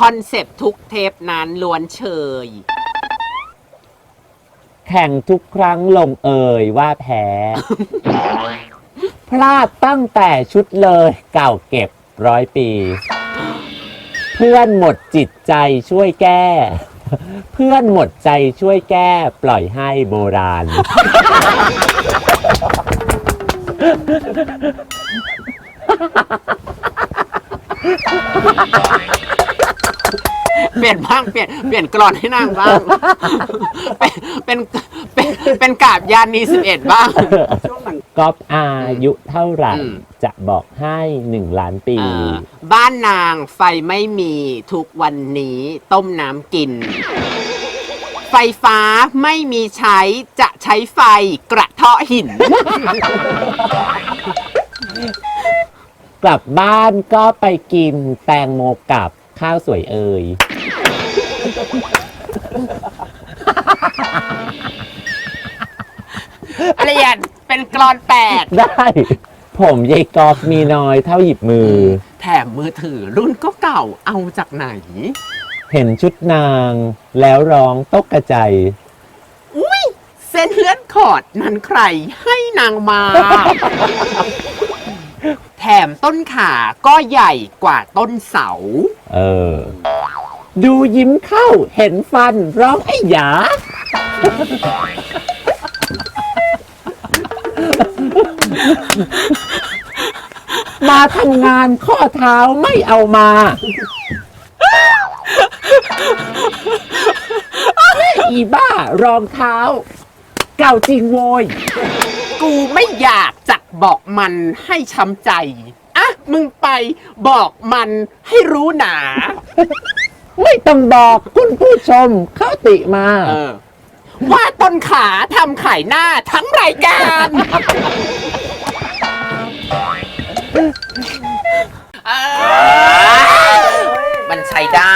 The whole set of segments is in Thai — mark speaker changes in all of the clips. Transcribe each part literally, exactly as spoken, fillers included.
Speaker 1: คอนเซปต์ทุกเทปนั้นล้วนเชย
Speaker 2: แข่งทุกครั้งลงเอยว่าแพ้ พลาดตั้งแต่ชุดเลยเก่าเก็บร้อยปี เพื่อนหมดจิตใจช่วยแก้ เพื่อนหมดใจช่วยแก้ปล่อยให้โบราณ
Speaker 1: เปลี่ยนบ้างเปลี่ยนเปลี่ยนกรอนให้นางบ้าง เป็นเป็นเป็นเป็นกาบยานีสิบเอ็ดบ้าง
Speaker 2: ก๊อฟอายุเท่าไหร่
Speaker 1: อืม
Speaker 2: จะบอกให้หนึ่งล้านปี
Speaker 1: อ่าบ้านนางไฟไม่มีทุกวันนี้ต้มน้ำกิน ไฟฟ้าไม่มีใช้จะใช้ไฟกระเทาะหิน
Speaker 2: กลับบ้านก็ไปกินแตงโมกับข้าวสวยเอ่ย
Speaker 1: อะไรอย่างเป็นกรอนแปด
Speaker 2: ได้ ผมยายกอฟมีน้อยเท่าหยิบมือ
Speaker 1: แถมมือถือรุ่นก็เก่าเอาจากไหน
Speaker 2: เห็นชุดนางแล้วร้องตกกระใจ
Speaker 1: อุ้ยเส้นเลือดขอดนั้นใครให้นางมา แถมต้นขาก็ใหญ่กว่าต้นเสา
Speaker 2: เออ ดูยิ้มเข้าเห็นฟันร้องไอ้หยา มาทำงานข้อเท้าไม่เอามา อีบ้ารองเท้า เก่าจริงโวย
Speaker 1: กูไม่อยากจะบอกมันให้ช้ำใจ อ่ะ มึงไปบอกมันให้รู้หนา
Speaker 2: ไม่ต้องบอกคุณผู้ชมเข้าติมา
Speaker 1: เออ ว่าต้นขาทำขายหน้าทั้งรายการเออมันใช้ได้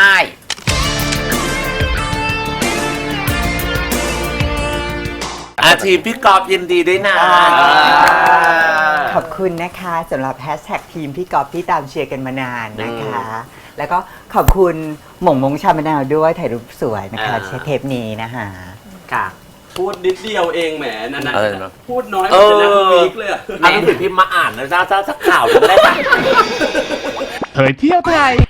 Speaker 3: อาทีมพี่กอบยินดีด้วยนะ
Speaker 4: ขอบคุณนะคะสำหรับแฮชแท็กทีมพี่กอฟที่ตามเชียร์กันมานานนะคะ แล้วก็ขอบคุณหม่งมงชามะนาวด้วยถ่ายรูปสวยนะคะ
Speaker 3: อ่า
Speaker 4: ใช้เทปนี้นะคะ
Speaker 1: ค่ะ
Speaker 5: พูดนิดเดียวเองแหมนั่นนะ
Speaker 3: อะไรนะ
Speaker 5: พูดน้อยเหมือนจะนักวีคเลยอะ
Speaker 3: เอาหนังสือพิมพ์มาอ่านนะจ้าจ้าสักข่าวหนึ่งได้ปะ
Speaker 6: เผยเที่ยวไทย